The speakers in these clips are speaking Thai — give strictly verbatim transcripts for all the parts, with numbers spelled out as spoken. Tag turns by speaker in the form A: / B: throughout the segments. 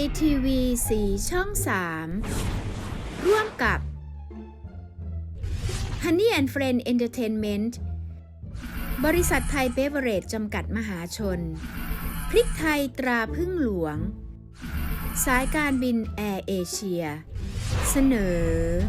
A: ทีวีสีช่องสาม ร่วมกับ Honey and Friend Entertainment บริษัทไทยเบเวอเรจจำกัดมหาชน พริกไทยตราพึ่งหลวง สายการบินแอร์เอเชีย เสนอ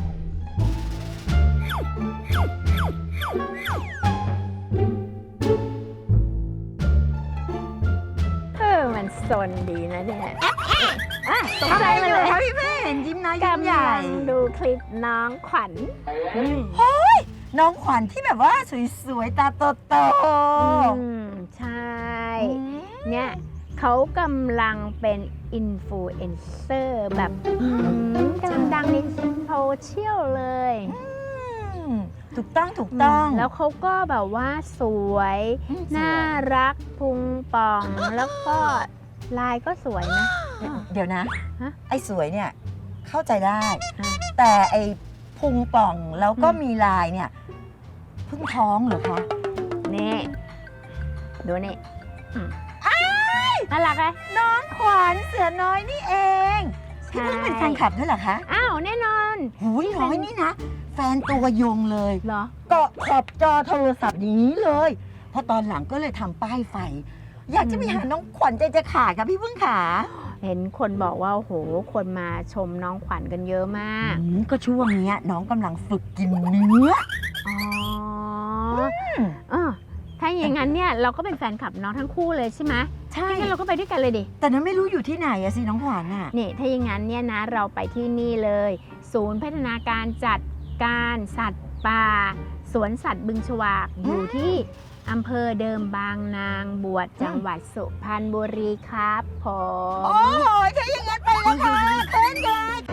B: เออมันสนดีนะเนี่ยอ่ะตกใจมาเลย
C: พี่แม่เห็นยิ้มน้อยยิ้ม
B: กำ
C: ใหญ่
B: ลังดูคลิปน้องขวัญ
C: เฮ้ยน้องขวัญที่แบบว่าสวยๆตาโต
B: อืมใช่
C: ๆ
B: เนี่ยเขากำลังเป็นอินฟลูเอนเซอร์แบบอืมกำลังดังในโซเชียลเลย
C: อืมถูกต้องถูกต้อง
B: แล้วเขาก็แบบว่าสวย
C: อืมสวย
B: น่ารักพุงป่อง แล้วก็ลายก็สวยนะ
C: เดี๋ยวนะ
B: ฮะ
C: ไอ้สวยเนี่ยเข้าใจได้
B: อ่ะ
C: แต่ไอ้พุงป่องแล้วก็มีลายเนี่ยเพิ่งท้องเหรอคะ
B: นี่ดูนี่อืมน่ารักไหม
C: น้องขวัญเสือน้อยนี่เองพี่เพิ่งเป็นแฟนคลับด้วยเหรอคะ
B: อ้าวแน่นอน
C: หูยน้อยนี่นะ แฟนตัวยงเลย
B: เหรอ
C: เกาะขอบจอโทรศัพท์อย่างนี้เลยพอตอนหลังก็เลยทำป้ายไฟ อยากจะไปหาน้องขวัญใจจะขาดค่ะพี่พึ่งขา
B: เห็นคนบอกว่าโอ้โหคนมาชมน้องขวัญกันเยอะมาก
C: อืมก็ช่วงเนี้ยน้องกำลังฝึกกินเนื้อ
B: อ๋อเออถ้าอย่างนั้นเนี่ยเราก็เป็นแฟนคลับน้องทั้งคู่เลยใช่ไหม
C: ใช่
B: งั้นเราก็ไปด้วยกันเลยดิ
C: แต่นั้นไม่รู้อยู่ที่ไหนอะสิน้องขวัญอะ
B: นี่ถ้าอย่างนั้นเนี่ยนะเราไปที่นี่เลย ศูนย์พัฒนาการจัดการสัตว์ป่า สวนสัตว์บึงฉวากอยู่ที่อำเภอเดิมบางนางบวชจังหวัดสุพรรณบุรีครับผม
C: โอ้ยถ้าอย่างนั้นไปแล้วค่ะเต้นเลย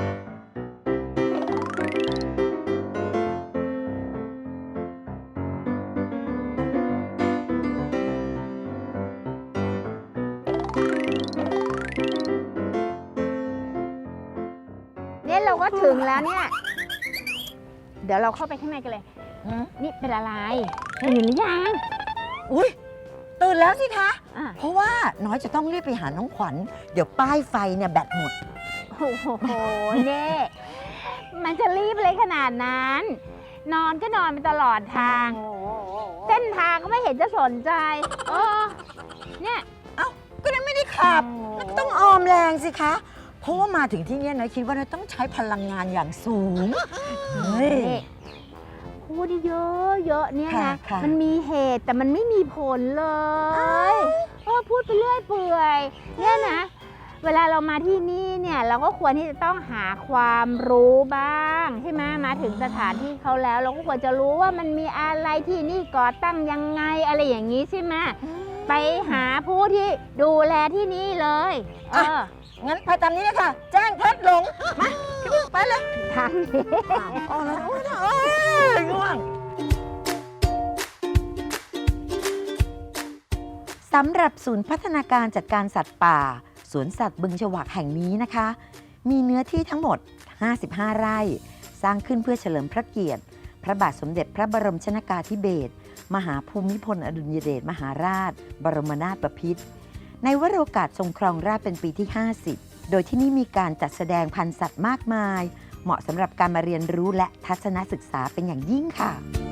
B: เนี่ยเราก็ถึงแล้วเนี่ย เดี๋ยวเราเข้าไปข้างในกันเลย
C: อืม
B: นี่เป็นอะไรตื่นหรือยัง
C: อุ้ยตื่นแล้วสิคะ
B: อ่ะ
C: เพราะว่าน้อยจะต้องรีบไปหาน้องขวัญเดี๋ยวป้ายไฟเนี่ยแบตหมด
B: โอ้โหเน่มันจะรีบเลยขนาดนั้น นอนก็นอนไปตลอดทาง เส้นทางก็ไม่เห็นจะสนใจเออเนี่ย
C: เอ้าก็นั้นไม่ได้ขับแล้วก็ต้องออมแรงสิคะ เพราะว่ามาถึงที่เนี่ยนะคิดว่าเราต้องใช้พลังงานอย่างสูงเฮ้ย
B: นี่พูดเยอะเยอะๆเนี่ย
C: ค่ะ
B: นะ
C: ค่ะ
B: มันมีเหตุแต่มันไม่มีผลเลยเออพูดไปเรื่อยเปื่อยเนี่ยนะ เวลาเรามาที่นี่เนี่ยเราก็ควรที่จะต้องหาความรู้บ้างใช่ไหมมาถึงสถานที่เขาแล้ว เราก็ควรจะรู้ว่ามันมีอะไรที่นี่ก่อตั้งยังไงอะไรอย่างนี้ใช่ไหมไปหาผู้ที่ดูแลที่นี่เลยเออ
C: งั้นไปตามนี้เลยค่ะ แจ้งพลัดหลง มาพี่พึ่งไปเลย
B: ทางนี้
C: อ๋อแล้วโอ้ยโอ้ยง่วงสำหรับศูนย์พัฒนาการจัดการสัตว์ป่า สวนสัตว์บึงฉวากแห่งนี้นะคะ มีเนื้อที่ทั้งหมด ห้าสิบห้า ไร่ สร้างขึ้นเพื่อเฉลิมพระเกียรติ พระบาทสมเด็จพระบรมชนกาธิเบศรมหาภูมิพลอดุลยเดชมหาราช บรมนาถบพิตรในวโรกาสทรงครองราชย์เป็นปีที่ ห้าสิบ โดยที่นี่มีการจัดแสดงพันธุ์สัตว์มากมาย เหมาะสำหรับการมาเรียนรู้และทัศนศึกษาเป็นอย่างยิ่งค่ะ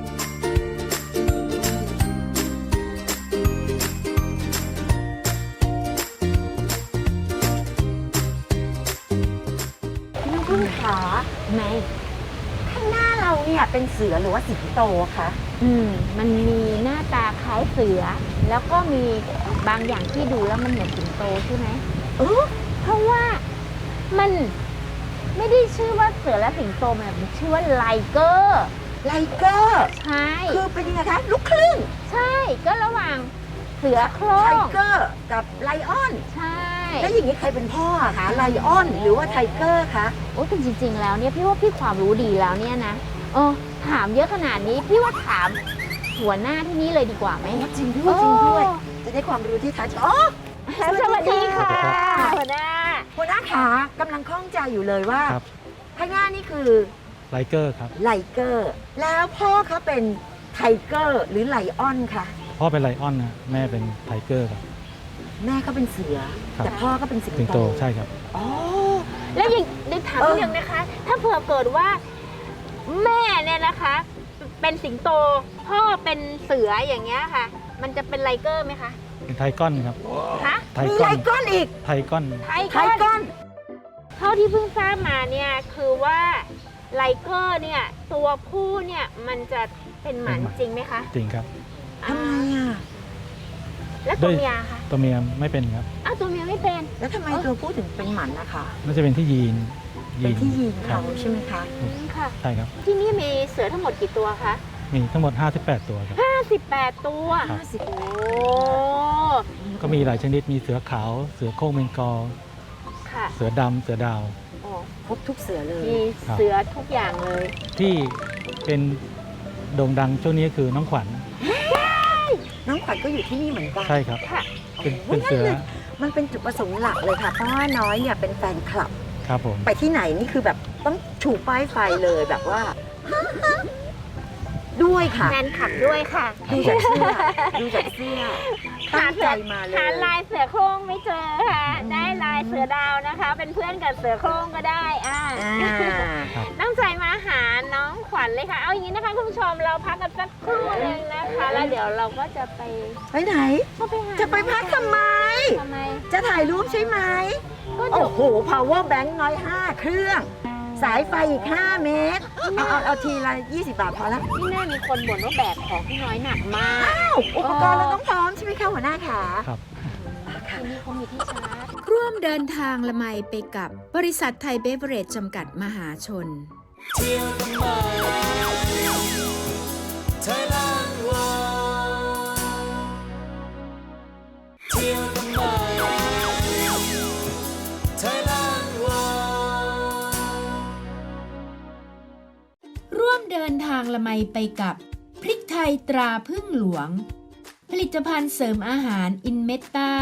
C: น้องพึ่งขา
B: ไหน
C: ข้างหน้าเราเนี่ยเป็นเสือหรือว่าสิงโตคะ
B: อืมมันมีหน้าตาคล้ายเสือ แล้วก็มีบางอย่างที่ดูแล้วมันเหมือนสิงโตใช่ไหม
C: เออ
B: เพราะว่ามันไม่ได้ชื่อว่าเสือและสิงโตมันแบบชื่อว่าไลเกอร์
C: ไลเกอร์
B: ใช่
C: คือเป็นยังไงคะลูกครึ่ง
B: ใช่ก็ระหว่างเสือโคร่
C: ไท
B: ง
C: เกอร์กับไลออน
B: ใช่
C: แล้วอย่างนี้ใครเป็นพ่ออะคะไลออนหรือว่าไทเกอร์คะ
B: โอ้แต่จริง ๆ แล้วเนี่ยพี่ว่าพี่ความรู้ดีแล้วเนี่ยนะเออถามเยอะขนาดนี้พี่ว่าถามหัวหน้าที่นี่เลยดีกว่าไหม
C: จริงด้วยจริงด้วย จะได้ความรู้ที่ทัชอ๋อ
B: สวัสดีค่ะ
C: สวัสดีค่ะ
B: หัวหน้า
C: หัวหน้าขากำลังข้องใจอยู่เลยว่า
D: ครับ
C: ข้างหน้านี่คือ
D: ไลเกอร์ครับ
C: ไลเกอร์ แล้วพ่อเขาเป็นไทเกอร์หรือไลออนคะ
D: พ่อเป็นไลออนนะแม่เป็นไทเกอร์ครับ
C: แแม่ก็เป็นเสือ
D: ครับ
C: แต่พ่อก็เป็นสิง
D: สิง
C: โต
D: โตใช่ครับ
C: อ๋อ
B: แล้วอย่างในถาม
C: เออ
B: นิดนึงนะคะ ถ้าเผื่อเกิดว่าแม่เนี่ยนะคะ เป็นสิงโตพ่อเป็นเสืออย่างเงี้ยค่ะ มันจะเป็นไลเกอร์ไหมคะ
D: เป็นไทก้อนครับ
B: ฮะ
D: ไท
C: มี
D: ก้
C: ไร
D: อน
C: ก้อนอีก
D: ไทก้อน
B: ไท
C: ไท
B: ก้อน
C: ก้อน
B: เท่าที่เพิ่งทราบมาเนี่ยคือว่าไลเกอร์เนี่ยตัวผู้เนี่ยมันจะเป็นหมันจริงไหมคะ
D: จริงครับ
C: ทำไมอ่ะ
B: แล้วตัวเมียคะ
D: ตัวเมียไม่เป็นครับ
B: อ้าวตัวเมียไม่เป็น
C: แล้วทำไมตัวผู้ถึงเป็นหมันนะคะ
D: น่าจะเป็นที่ยีน
C: เป็นที่ยีน
D: ครั
C: เขา
D: บ
C: ใช่ไหมคะ
B: อืมค่ะ
D: ใช่ครับ
B: ที่นี่มีเสือทั้งหมดกี่ตัวคะ
D: มีทั้งหมดห้าสิบแปดตัวครับ
B: ห้าสิบแปดตัว
D: ครับ
C: ห้าสิบ
B: โอ้
D: ก็มีหลายชนิดมีเสือขาว เสือโคร่งเบงกอล
B: ค่ะ
D: เสือดำเสือดาว
B: โอ้
C: ครบทุกเสือเลย
B: มีเสือทุกอย่างเลย
D: ที่เป็นโด่งดังช่วงนี้คือน้องขวัญ
C: น้องขวัญก็อยู่ที่นี่เหมือนกัน
D: ใช่ครับ
B: ค่ะ
D: เป็น
C: โอ้
D: เป็น
C: นั่
D: เสื
C: น
D: อ
C: เลยมันเป็นจุดประสงค์หลักเลยค่ะ เพราะว่าน้อยเนี่ยเป็นแฟนคลับ
D: ครับผม
C: ไปที่ไหนนี่คือแบบต้องชูป้ายไฟเลยแบบว่า ด้วยค่ะ
B: แฟนคลับด้วยค่ะ
C: ดูจากเสื้อดูจากเสื้อตั้งใจมาเลย
B: หาลายเสือโคร่งไม่เจอค่ะ ได้ลายเสือดาวนะคะ เป็นเพื่อนกับเสือโคร่งก็ได้อ่า
C: อ่า
B: ตั้งใจมาหาน้องขวัญเลยค่ะ เอาอย่างนี้นะคะคุณผู้ชมเราพักกันสักครู่หนึงนะคะ แล้วเดี๋ยวเราก็จะไป
C: ไปไหน
B: ก็ไปหา
C: จะไปพักทำไม
B: ทำไม
C: จะถ่ายรูปใช่ไหม
B: ก็เดี๋ยว
C: โอ้โห power bank น้อยห้าเครื่อง สายไฟอีกห้าเมตร เอาเอาเอาทีละยี่สิบบาทพอละ
B: นี่แน่มีคนบ่นว่าแบกของพี่น้อยหนักมาก
C: อ้าวอุปกรณ์เราต้องพร้อมใช่ไหมคะหัวหน้าขา
D: ครับ
B: ที่นี่เขามีที่ชาร์จ
A: ร่วมเดินทางละไมไปกับบริษัทไทยเบเวอเรจจำกัดมหาชน ร่วมเดินทางละไมไปกับพริกไทยตราพึ่งหลวง ผลิตภัณฑ์เสริมอาหารอินเมตตา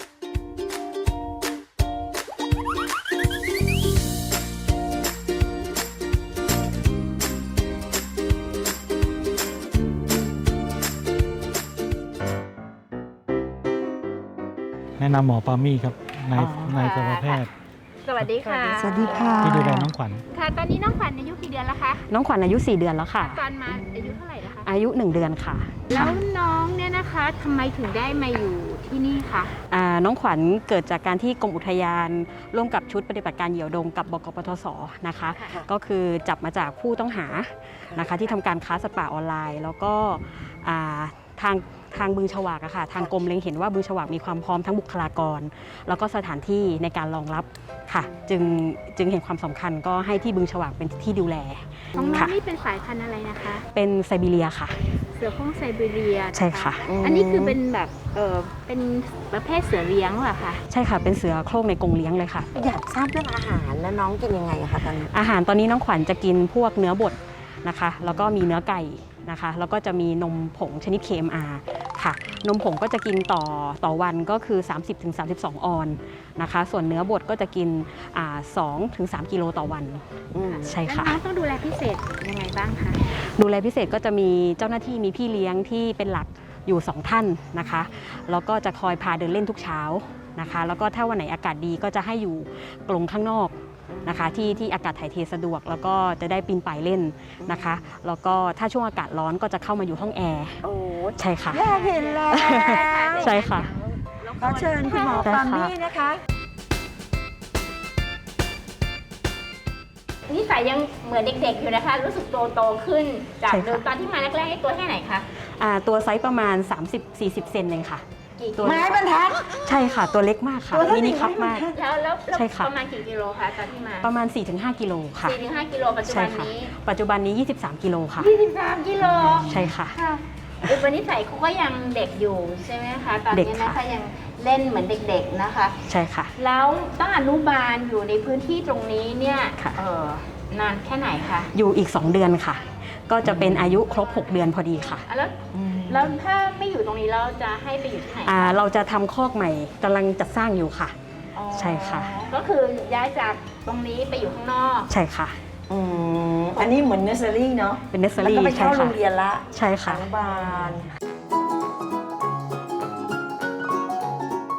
D: แนะนำหมอปามี่ครับนาย
C: อ๋อ
D: นายสัตวแพทย์
B: สวัสดีค่ะ
C: สวัสดีค่ะ
D: ที่ดูแลน้องขวัญ
B: ค่ะ ตอนนี้น้องขวัญอายุกี่เดือนแล้วคะ
E: น้องขวัญอายุสี่เดือนแล้วค่ะ
B: ตอนมาอายุเท่าไหร่แล้วคะ
E: อายุหนึ่งเดือนค่ะ
B: แล้วน้องเนี่ยนะคะทำไมถึงได้มาอยู่ที่นี่คะ
E: อ่าน้องขวัญเกิดจากการที่กรมอุทยาน ร่วมกับชุดปฏิบัติการเหยี่ยวดงกับบกปทศนะคะ
C: ค่ะ
E: ก็คือจับมาจากผู้ต้องหานะคะที่ทำการค้าสัตว์ป่าออนไลน์ แล้วก็อ่าทางทางบึงฉวากอะค่ะทางกรมเล็งเห็นว่าบึงฉวากมีความพร้อมทั้งบุคลากร แล้วก็สถานที่ในการรองรับค่ะ จึงจึงเห็นความสำคัญก็ให้ที่บึงฉวากเป็นที่ดูแล
B: น้องน้อ
E: ค่ะ
B: งนี่เป็นสายพันธุ์อะไรนะคะ
E: เป็นไซบีเรียค่ะ
B: เสือโคร่งไซบีเรียน
E: ใช่ค่ะ
B: อันนี้คือเป็นแบบเออเป็นประเภทเสือเลี้ยงเหรอคะ
E: ใช่ค่ะเป็นเสือโคร่งในกรงเลี้ยงเลยค่ะ
C: อยากทราบเรื่องอาหารแล้วน้องกินยังไงอะคะตอนนี้
E: อาหารตอนนี้น้องขวัญจะกินพวกเนื้อบดนะคะ แล้วก็มีเนื้อไก่นะคะ แล้วก็จะมีนมผงชนิด เค เอ็ม อาร์ ค่ะ นมผงก็จะกินต่อต่อวันก็คือ สามสิบถึงสามสิบสอง ออนนะคะ ส่วนเนื้อบดก็จะกินอ่าสองถึงสามกิโลต่อวัน
C: อืม
E: ใช่
B: แล้ว
E: ค่ะ
B: น้องต้องดูแลพิเศษยังไงบ้างคะ
E: ดูแลพิเศษก็จะมีเจ้าหน้าที่มีพี่เลี้ยงที่เป็นหลักอยู่สองท่านนะคะ แล้วก็จะคอยพาเดินเล่นทุกเช้านะคะ แล้วก็ถ้าวันไหนอากาศดีก็จะให้อยู่กรงข้างนอกนะคะที่ที่อากาศถ่ายเทสะดวก แล้วก็จะได้ปีนป่ายเล่นนะคะ แล้วก็ถ้าช่วงอากาศร้อนก็จะเข้ามาอยู่ห้องแอร์
C: โอ้
E: ใช่ค่ะ
C: อยากเห็นแล้ว
E: ใช่ค่ะ
C: ขอเชิญคุณหมอปามี่นะคะ
B: นิสัยยังเหมือนเด็กๆอยู่นะคะ รู้สึกโตโตๆขึ้น จาก
E: ใช่ค่ะ
B: เดิมตอนที่มาแรกๆให้ตัวแค่ไหนคะ
E: อ่าตัวไซส์ประมาณ สามสิบสี่สิบ เซนเองค่ะ
B: กี่
E: ตัว
C: ไม้บรรทัด
E: ใช่ค่ะ ตัวเล็กมากค่ะ
C: ตัวเท่า
E: มินิ
C: ไหน
E: คัพมาก
B: แล้วแล้วแล้ว
E: ใช่ค่ะ
B: ประมาณกี่กิโลคะตอนที่มา
E: ประมาณ สี่ถึงห้า กิโลค่ะ
B: สี่ถึงห้ากิโลปัจจุ
E: ใช่
B: บัน
E: ค่ะ
B: นี้
E: ปัจจุบันนี้ ยี่สิบสาม กิโลค่ะ
B: ยี่สิบสามกิโล
E: ใช่ค่ะ
B: ค่ะอุปนิสัยเขาก็ยังเด็กอยู่ใช่ไหมคะตอน
E: เด็ก
B: นี้
E: ค่ะ
B: นะคะยังเล่นเหมือนเด็กๆนะคะ
E: ใช่ค่ะ
B: แล้วต้องอนุบาลอยู่ในพื้นที่ตรงนี้เนี่ย
E: ค่ะ
B: เออนานแค่ไหนคะ
E: อยู่อีก สอง เดือนค่ะ ก็จะเป็นอายุครบ หก เดือนพอดีค่ะ
B: อ่ะแล้วแล้วถ้าไม่อยู่ตรงนี้เราจะให้ไปอยู่ที่ไหน
E: อ่าเราจะทำคอกใหม่กำลังจัดสร้างอยู่ค่ะ
B: อ๋อ
E: ใช่ค่ะ
B: ก็คือย้ายจากตรงนี้ไปอยู่ข้างนอก
E: ใช่ค่ะ
C: อืมอันนี้เหมือนเนสเซอรี่เนาะ
E: เป็นเนสเซอ
C: แล้ว
E: รี่
C: ก็ไป
E: ใช่
C: เข้าโร
E: ค่ะ
C: งเรียนละ
E: ใช่ค่ะ
C: อนุบาล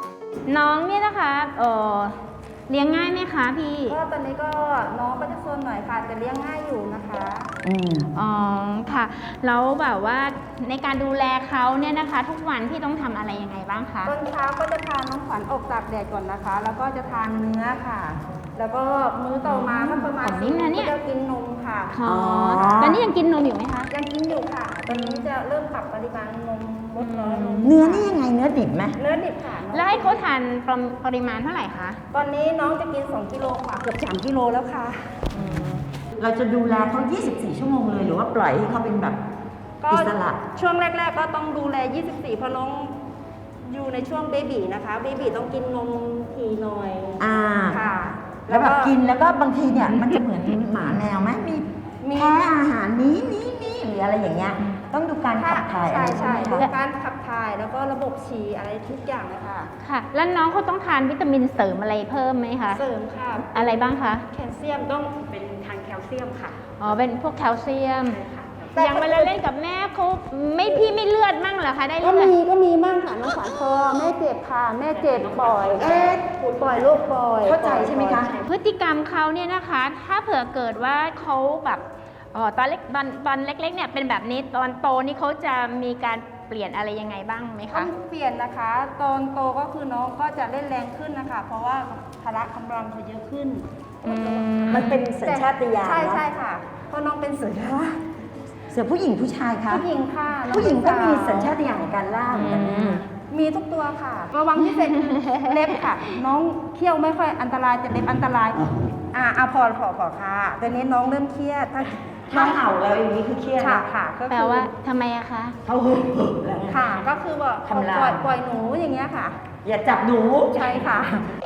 B: น้องเนี่ยนะคะเออเลี้ยงง่ายไหมคะพี่
F: ก็ตอนนี้ก็น้องก็จะโซนหน่อยค่ะแต่เลี้ยงง่ายอยู่นะคะ
C: อืม
B: อ๋อค่ะแล้วแบบว่าในการดูแลเขาเนี่ยนะคะ ทุกวันพี่ต้องทำอะไรยังไงบ้างคะ
F: ตอนเช้าก็จะพาน้องขวัญออกตากแดดก่อนนะคะ แล้วก็จะทานเนื้อค่ะ แล้วก็มื้อต่อมาก็ประมาณ
B: ของนิ่มนะเนี่ย
F: ก็จะกินนมค่ะ
B: อ๋อตอนนี้ยังกินนมอยู่ไหมคะ
F: ยังกินอยู่ค่ะ ตอนนี้จะเริ่มปรับปริมาณนมลดน้อยลง
C: เนื้อนี่ยังไงเนื้อดิบไหม
F: เนื้อดิบค่ะ
B: แล้วให้เขาทานปริมาณเท่าไหร่คะ
F: ตอนนี้น้องจะกินสองกิโลค่ะเกือบสามกิโลแล้วค่ะ
C: เราจะดูแลเขายี่สิบสี่ชั่วโมงเลยหรือว่าปล่อยให้เขาเป็นแบบ
F: ก็
C: อิสระ
F: ช่วงแรก ๆ ก็ต้องดูแลยี่สิบสี่เพราะน้องอยู่ในช่วงเบบีนะคะเบบีต้องกินนมทีหน่อย
C: อ่า
F: ค่ะ
C: แล้วแบบกินแล้วก็บางทีเนี่ยมันจะเหมือนหมาแมวไหมมี
F: มี
C: แพ้อาหารนี้นี้นี้หรืออะไรอย่างเงี้ย ต้องดูการขับถ่ายอะ
F: ใช่
C: ไร
F: ใช่
C: ไหม
F: ดู
C: คะ
F: การขับถ่ายแล้วก็ระบบฉี่อะไรทุกอย่างเลยค่ะ
B: ค่ะ แล้วน้องเขาต้องทานวิตามินเสริมอะไรเพิ่มไหมคะ
F: เสริมค่ะ
B: อะไรบ้างคะ
F: แคลเซียมต้อง
E: เป็นทางแคลเซียมค่ะ
B: อ๋อ เป็นพวกแคลเซียม
F: แต่
B: อย่างเวลาเล่นกับแม่เขาไม่พี่ไม่เลือดมั่งเหรอคะ ได้
F: ก็
B: เลือด
F: มีก็มีมั่งค่ะน้องขวัญพอแม่เจ็บค่ะแม่เจ็บปล่อยเอ๊ะปล่อยลูกปล่อย
C: เข้าใจใช่ไหมคะ
B: พฤติกรรมเขาเนี่ยนะคะ ถ้าเผื่อเกิดว่าเขาแบบเอ๋อตอนเล็กตอนตอนเล็กๆเนี่ยเป็นแบบนี้ตอนโตนี่เขาจะมีการเปลี่ยนอะไรยังไงบ้างไหม
F: ต้อ
B: คะ
F: งเปลี่ยนนะคะ ตอนโตก็คือน้องก็จะเล่นแรงขึ้นนะคะ เพราะว่าพละกำลังเขาเยอะขึ้น
B: อืม
C: มันเป็นสัญชาตญาณ
F: ใช่
C: เนอะ
F: ใช่ค่ะเพราะน้องเป็นเสือ
C: เสือผู้หญิงผู้ชายคะ
F: ผู้หญิงค่ะน้อ
C: ผู้หญิงก็
F: เป็น
C: มี
F: สาว
C: สัญชาตญาณในการล่าเหมือนกันนะ
F: มีทุกตัวค่ะ ระวังพิเศษคือเล็บค่ะ น้องเคี้ยวไม่ค่อยอันตรายแต่เล็บอันตราย อ่าอ่าพอพอพอค่ะตอนนี้น้องเริ่มเครียดถ้า
C: ถ้าเห่าแล้วอย่างนี้คือเครียด
F: ค่ะ
C: นะ
F: ค่ะก็
B: แปล
F: คือ
B: ว่าทำไมอะคะ
C: เขาหึ่มแล้ว
F: ค่ะ ก็คือว่า
C: ทำลาย
F: ปล่อยปล่อยหนูอย่างเงี้ยค่ะ
C: อย่าจับหนู
F: ใช่ค่ะ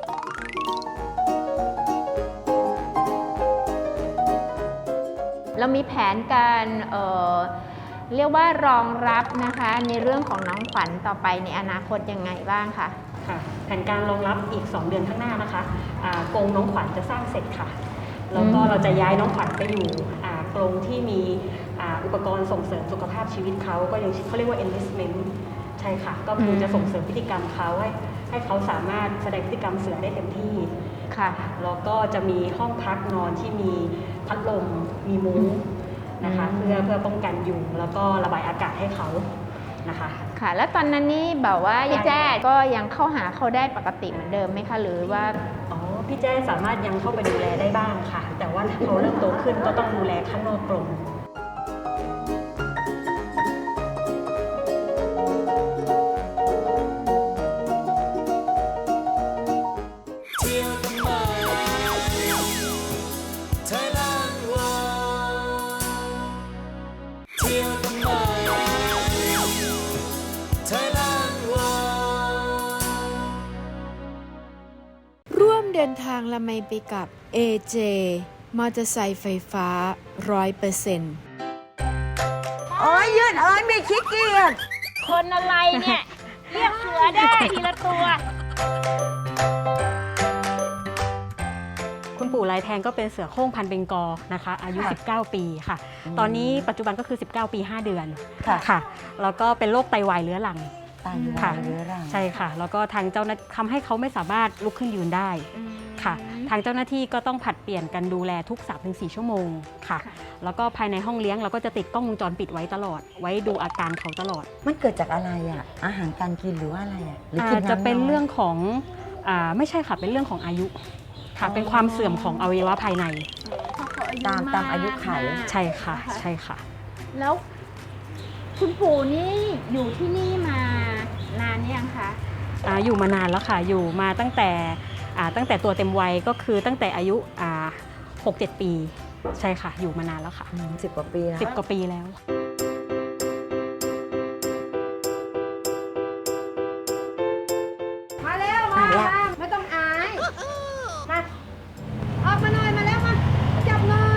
B: เรามีแผนการเอ่อเรียกว่ารองรับนะคะในเรื่องของน้องขวัญต่อไปในอนาคตยังไงบ้างคะ
E: ค่ะแผนการรองรับอีก สอง เดือนข้างหน้านะคะอ่ากรงน้องขวัญจะสร้างเสร็จค่ะ แล้วก็
B: อืม
E: เราจะย้ายน้องขวัญไปอยู่อ่ากรงที่มีอ่าอุปกรณ์ส่งเสริมสุขภาพชีวิตเขาก็ยังเขาเรียกว่า enlistment ใช่ค่ะ ก็คือจะส่งเสริมพฤติกรรมเขาให้ให้เขาสามารถแสดงพฤติกรรมเสือได้เต็มที่
B: ค่ะ
E: แล้วก็จะมีห้องพักนอนที่มีพัดลมมีมุ้งนะคะ
B: อืม
E: เพื่อเพื่อป้องกันยุงแล้วก็ระบายอากาศให้เขานะคะ
B: ค่ะ แล้วตอนนั้นนี่แบบว่ายายแจ้ก็ยังเข้าหาเขาได้ปกติเหมือนเดิมไหมคะหรือว่า
E: อ๋อ พี่แจ้สามารถยังเข้าไปดูแลได้บ้างค่ะ แต่ว่าเขาเริ่มโตขึ้นก็ต้องดูแลข้างนอกกรง
A: ร่วมเดินทางละไมไปกับ เอ เจ มอเตอร์ไซค์ไฟฟ้า ร้อยเปอร์เซ็นต์
C: โอ้ยยืดเอ้ยไม่ขี้เกียจ
B: คนอะไรเนี่ย เรียกเสือได้ทีละตัว
E: คุณปู่ลายแทงก็เป็นเสือโคร่งพันธุ์เบงกอลนะคะ อายุ สิบเก้า ปีค่ะ ตอนนี้ปัจจุบันก็คือ สิบเก้า ปี ห้า เดือน
C: ค่ะ
E: ค่ะ แล้วก็เป็นโรคไตวายเรื้อรัง
C: ตาย
E: ค่ะ
C: เรื้อรัง
E: ใช่ค่ะ แล้วก็ทางเจ้าหน้าทำให้เขาไม่สามารถลุกขึ้นยืนได้ค่ะ ทางเจ้าหน้าที่ก็ต้องผลัดเปลี่ยนกันดูแลทุก สามถึงสี่ ชั่วโมงค่ะ แล้วก็ภายในห้องเลี้ยงเราก็จะติดกล้องวงจรปิดไว้ตลอด ไว้ดูอาการเขาตลอด
C: มันเกิดจากอะไรอ่ะ อาหารการกินหรือว่าอะไรอ่ะหรือ
E: อา
C: กิ
E: จ
C: น
E: จะ
C: น้ำ
E: เป็น
C: ย
E: เรื่องของอ่าไม่ใช่ค่ะ เป็นเรื่องของอายุค่ะ เป็นความเสื่อมของอวัยวะภายใน
C: ตามตามอายุไข
E: ใช่ค่ะ ใช่ค่ะ
B: แล้วคุณปู่นี่อยู่ที่นี่มานานยังคะ
E: อ่าอยู่มานานแล้วค่ะ อยู่มาตั้งแต่อ่าตั้งแต่ตัวเต็มวัยก็คือตั้งแต่อายุอ่าหกเจ็ดปี ใช่ค่ะ อยู่มานานแล้วค่ะ
C: อืมสิบกว่าปีนะ
E: สิบกว่าปีแล้ว
F: มาเร็วมามาไม่ต้องอายมาออกมาหน่อยมาแล้วมาจับหน่อย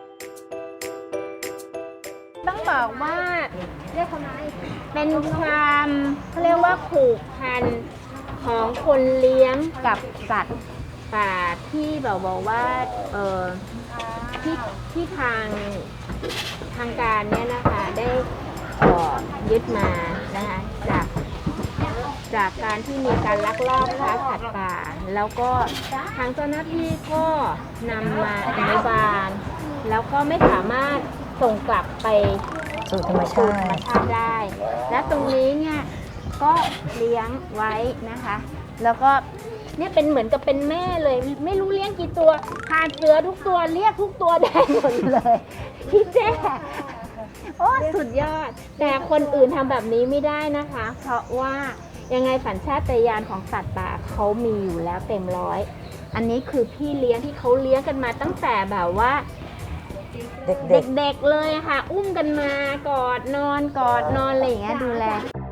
B: ต้องบอกว่า
F: เรียกเขาไหน
B: เป็นความเขาเรียกว่าผูกพันของคนเลี้ยงกับสัตว์ป่าที่แบบบอกว่าเออที่ที่ทางทางการเนี่ยนะคะได้เอ่อยึดมานะคะจากจากการที่มีการลักลอบค้าสัตว์ป่า แล้วก็ทางเจ้าหน้าที่ก็นำมาอนุบาล แล้วก็ไม่สามารถส่งกลับไป
C: สู่ธรรม
B: สู่
C: ชา
B: ธรรม
C: ติ
B: ชาติได้ และตรงนี้เนี่ยก็เลี้ยงไว้นะคะ แล้วก็เนี่ยเป็นเหมือนกับเป็นแม่เลย ไม่รู้เลี้ยงกี่ตัวพาเสือทุกตัวเรียกทุกตัวได้หมดเลยพี่แจ้โอ้สุดยอด แต่คนอื่นทำแบบนี้ไม่ได้นะคะ เพราะว่ายังไงสัญชาตญาณของสัตว์ป่าเขามีอยู่แล้วเต็มร้อย อันนี้คือพี่เลี้ยงที่เขาเลี้ยงกันมาตั้งแต่แบบว่า
C: เด็ก
B: เด็กๆเลยค่ะ อุ้มกันมากอดนอนกอดนอนอะไรอย่างเงี้ยดูแล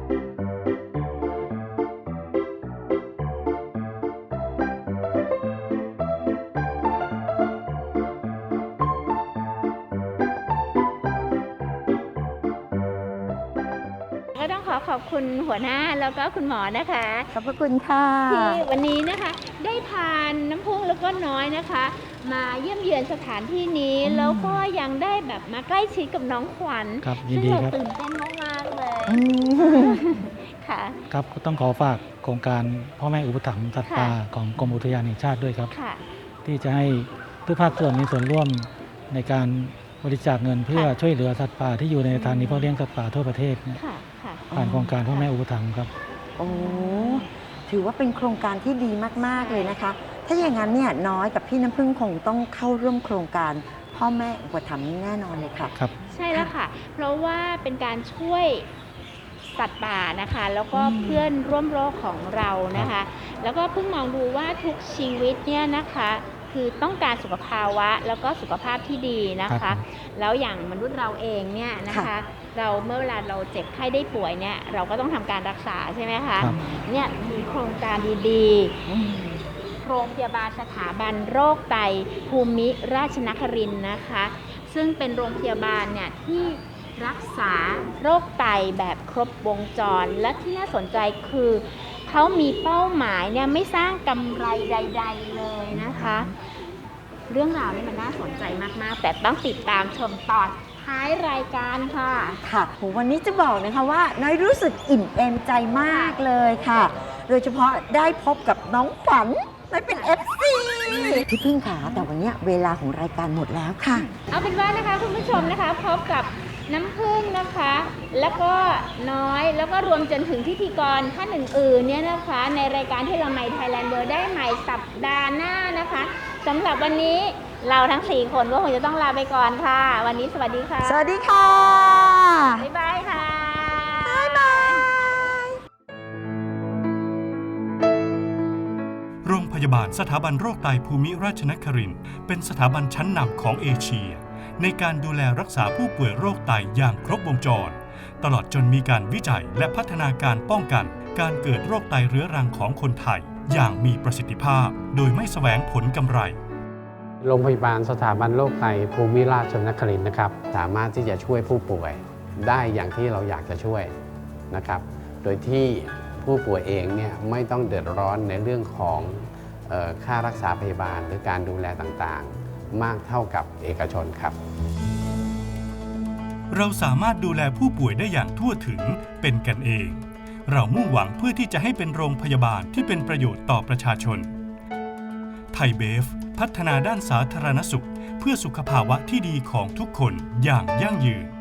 B: ก็ต้องขอขอบคุณหัวหน้าแล้วก็คุณหมอนะคะ
C: ๆ ขอบพระคุณค่ะ
B: ที่วันนี้นะคะได้พาน้ำพุแล้วก็น้อยนะคะ มาเยี่ยมเยือนสถานที่นี้ แล้วก็ยังได้แบบมาใกล้ชิดกับน้องขวัญ
D: ครับยิน
B: ซึ่ง
D: ดี
B: เรา
D: ครับ
B: ตื่นเต้นมากๆเลย
C: อืม
B: ค่ะ
D: ครับก็ต้องขอฝากโครงการพ่อแม่อุปถัมภ์สัตว์ป่าของกรมอุทยานแห่งชาติด้วยครับ
B: ค่ะ
D: ที่จะให้ทุกภาคส่วนมีส่วนร่วมในการบริจาคเงินเพื่อช่วยเหลือสัตว์ป่าที่อยู่ในสถานีเพาะเลี้ยงสัตว์ป่าทั่วประเทศเนี่ย
B: ค่ะค่ะ
D: ผ่านโครงการพ่อแม่อุปถัมภ์ครับ
C: โอ้ถือว่าเป็นโครงการที่ดีมากๆเลยนะคะ ถ้าอย่างนั้นเนี่ยน้อยกับพี่น้ำพึ่งคงต้องเข้าร่วมโครงการพ่อแม่อุปถัมภ์แน่นอนเลยค่ะ
D: ครับ
B: ใช่แล้วค่ะ เพราะว่าเป็นการช่วยสัตว์ป่านะคะ แล้วก็เพื่อนร่วมโลกของเรานะคะ แล้วก็เพิ่งมองดูว่าทุกชีวิตเนี่ยนะคะ คือต้องการสุขภาวะแล้วก็สุขภาพที่ดีนะ
D: ครั
B: คะ
D: บ
B: แล้วอย่างมนุษย์เราเองเนี่ยนะคะ
C: ค่ะ
B: เราเมื่อเวลาเราเจ็บไข้ได้ป่วยเนี่ยเราก็ต้องทำการรักษาใช่ไหมคะ
D: ครับ
B: เนี่ยมีโครงการดีๆ โรงพยาบาลสถาบันโรคไตภูมิราชนครินทร์นะคะ ซึ่งเป็นโรงพยาบาลเนี่ยที่รักษาโรคไตแบบครบวงจร และที่น่าสนใจคือเขามีเป้าหมายเนี่ยไม่สร้างกำไรใด ๆ เลยนะคะ เรื่องราวนี้มันน่าสนใจมากๆ แต่ต้องติดตามชมตอนท้ายรายการค่ะ
C: ค่ะโหวันนี้จะบอกนะคะว่าน้อยรู้สึกอิ่มเอมใจมากเลยค่ะ โดยเฉพาะได้พบกับน้องขวัญน้อยเป็น เอฟ ซี พี่พึ่งค่ะแต่วันนี้เวลาของรายการหมดแล้วค่ะ
B: เอาเป็นว่านะคะคุณผู้ชมนะคะพบกับน้ำผึ้งนะคะ แล้วก็น้อยแล้วก็รวมจนถึงพิธีกรท่านอื่นๆเนี่ยนะคะ ในรายการที่เราใน Thailand World ได้ใหม่สัปดาห์หน้านะคะสำหรับวันนี้เราทั้งสี่คนก็คงจะต้องลาไปก่อนค่ะ วันนี้สวัสดีค่ะ
C: สวัสดีค่ะ
B: บ๊ายบายค่ะ
C: บ๊ายบาย
G: โรงพยาบาลสถาบันโรคไตภูมิราชนครินทร์เป็นสถาบันชั้นนำของเอเชียในการดูแลรักษาผู้ป่วยโรคไตอย่างครบวงจร ตลอดจนมีการวิจัยและพัฒนาการป้องกันการเกิดโรคไตเรื้อรังของคนไทยอย่างมีประสิทธิภาพโดยไม่แสวงผลกำไร
H: โรงพยาบาลสถาบันโรคไตภูมิราชนครินทร์นะครับสามารถที่จะช่วยผู้ป่วยได้อย่างที่เราอยากจะช่วยนะครับโดยที่ผู้ป่วยเองเนี่ยไม่ต้องเดือดร้อนในเรื่องของเอ่อค่ารักษาพยาบาลหรือการดูแลต่างๆ มากเท่ากับเอกชนครับ
G: เราสามารถดูแลผู้ป่วยได้อย่างทั่วถึงเป็นกันเอง เรามุ่งหวังเพื่อที่จะให้เป็นโรงพยาบาลที่เป็นประโยชน์ต่อประชาชนไทยเบฟพัฒนาด้านสาธารณสุข เพื่อสุขภาวะที่ดีของทุกคนอย่างยั่งยืน